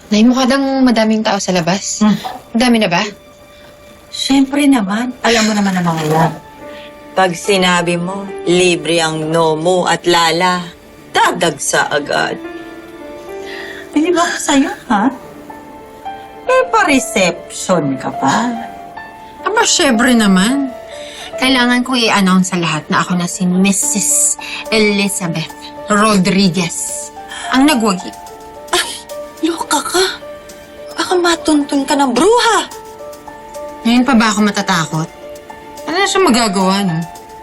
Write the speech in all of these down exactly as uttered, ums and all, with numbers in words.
Nay, mukha dang madaming tao sa labas. Hmm. Dami na ba? Siyempre naman. Alam mo naman ang mga yan. Pag sinabi mo, libre ang Nomo at Lala, dadagsa agad. Bilib ako sa'yo, ha? Eh, pa-reception ka pa. Aba, syempre naman. Kailangan ko i-announce sa lahat na ako na si Missus Elizabeth Rodriguez. Ang nagwagi. Loka ka. Baka matuntun ka ng bruha. Ngayon pa ba ako matatakot? Ano na siya magagawa, no?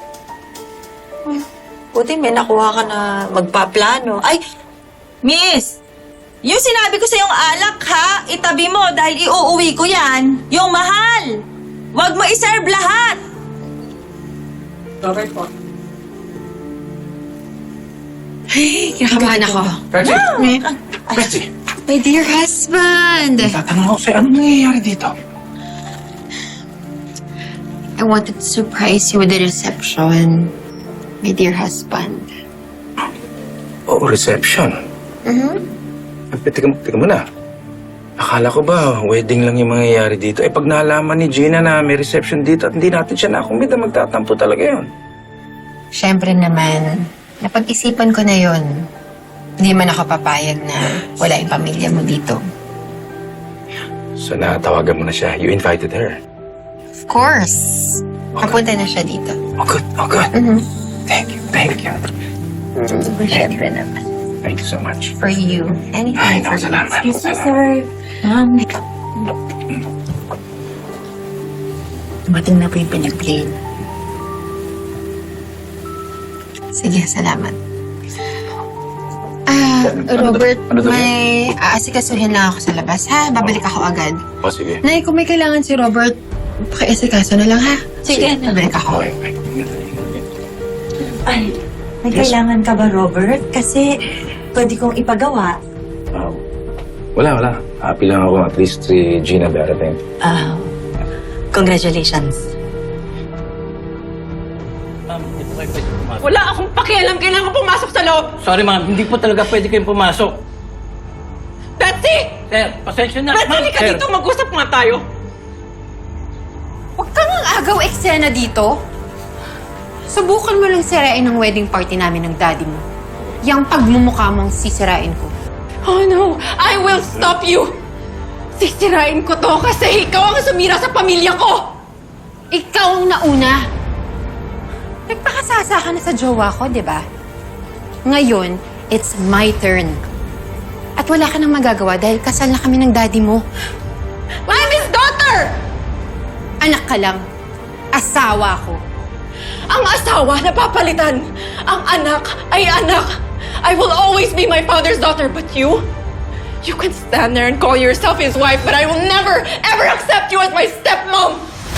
Buti may nakuha ka na magpaplano. Ay, Miss! Yung sinabi ko sa yung alak, ha? Itabi mo dahil iuuwi ko yan. Yung mahal! Huwag mo iserve lahat! Okay po. Ay, kinakabahan ako. Reggie! Ah, Reggie! My dear husband! Tatanong ako sa'yo, anong nangyayari dito? I wanted to surprise you with the reception. My dear husband. Oh, reception. Mm-hmm. Eh, Teka, teka muna. Akala ko ba, wedding lang yung mangyayari dito. Eh, pag nalaman ni Gina na may reception dito at hindi natin siya nakumbida, magtatampo talaga yun. Siyempre naman, napag-isipan ko na yon. Hindi man ako papayag na wala yung pamilya mo dito. So, natawagan mo na siya. You invited her. Of course. Napunta na siya dito. Oh, good. Oh, good. Mm-hmm. Thank you. Thank you. Siyempre naman. Thank you so much. For you. Anything Ay, for naku, you. salamat. Excuse me, Salamat. sir. Um, Dumating na po yung pinag-plane. Sige, salamat. Ah, Ano daw- Robert, ano daw may aasikasuhin lang ako sa labas, ha? Babalik ako agad. Oh, sige. Nay, kung may kailangan si Robert, pakiasikaso na lang, ha? Sige. Babalik ako. Okay, okay. Ay, may Yes. kailangan ka ba, Robert? Kasi pwede kong ipagawa. Oh. Wala, wala. Happy lang ako. At least si Gina darating. Ah, congratulations. Wala akong pakialam. Kailangan ko pumasok sa loob. Sorry ma'am, hindi po talaga pwede kayong pumasok. Betsy! Sir, pasensya na. Betsy, halika Sir. dito. Mag-usap nga tayo. Huwag kang ang agaw eksena dito. Subukan mo lang sirain ang wedding party namin ng daddy mo. Yang pagmumukha mong sisirain ko. Oh no! I will stop you! Sisirain ko to kasi ikaw ang sumira sa pamilya ko! Ikaw ang nauna. Nagpakasasa ka na sa jowa ko, di ba? Ngayon, it's my turn. At wala ka nang magagawa dahil kasal na kami ng daddy mo. I'm his daughter! Anak ka lang. Asawa ko. Ang asawa na papalitan. Ang anak ay anak. I will always be my father's daughter, but you? You can stand there and call yourself his wife, but I will never, ever accept you as my stepmom!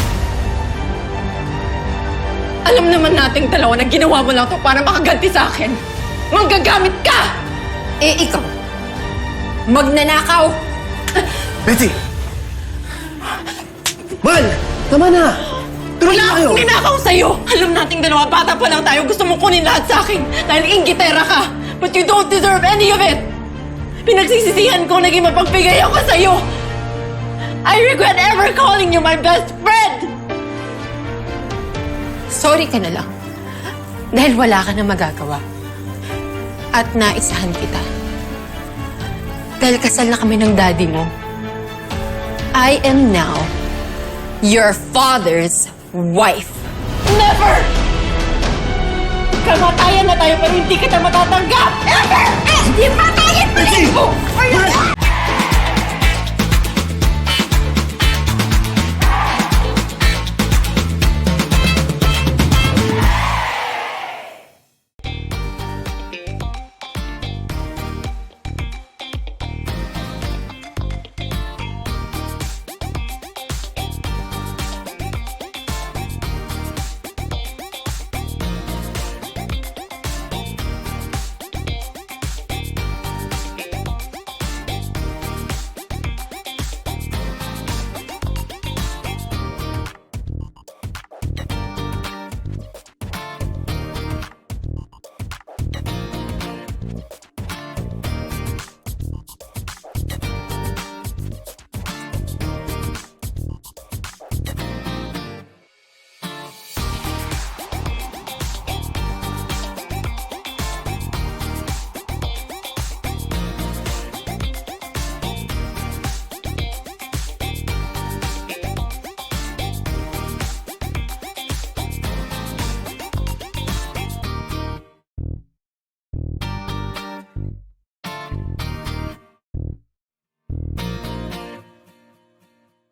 Alam naman nating dalawa na ginawa mo lang to para makaganti sa akin. Manggagamit ka! Eh, ikaw. Magnanakaw. Betty! Mal! Tama na! Tuloy Wala akong ninakaw sa'yo! Alam nating dalawa, bata pa lang tayo. Gusto mo kunin lahat sa akin dahil inggitera ka. But you don't deserve any of it! Pinagsisisihan ko naging mapagbigay ako sa'yo! I regret ever calling you my best friend! Sorry ka na lang. Dahil wala ka na magagawa. At naisahan kita. Dahil kasal na kami ng daddy mo. I am now your father's wife. Never! Kamatayan na tayo pero hindi kita matatanggap! Ever! Eh, di patayin mo rin mo! Are you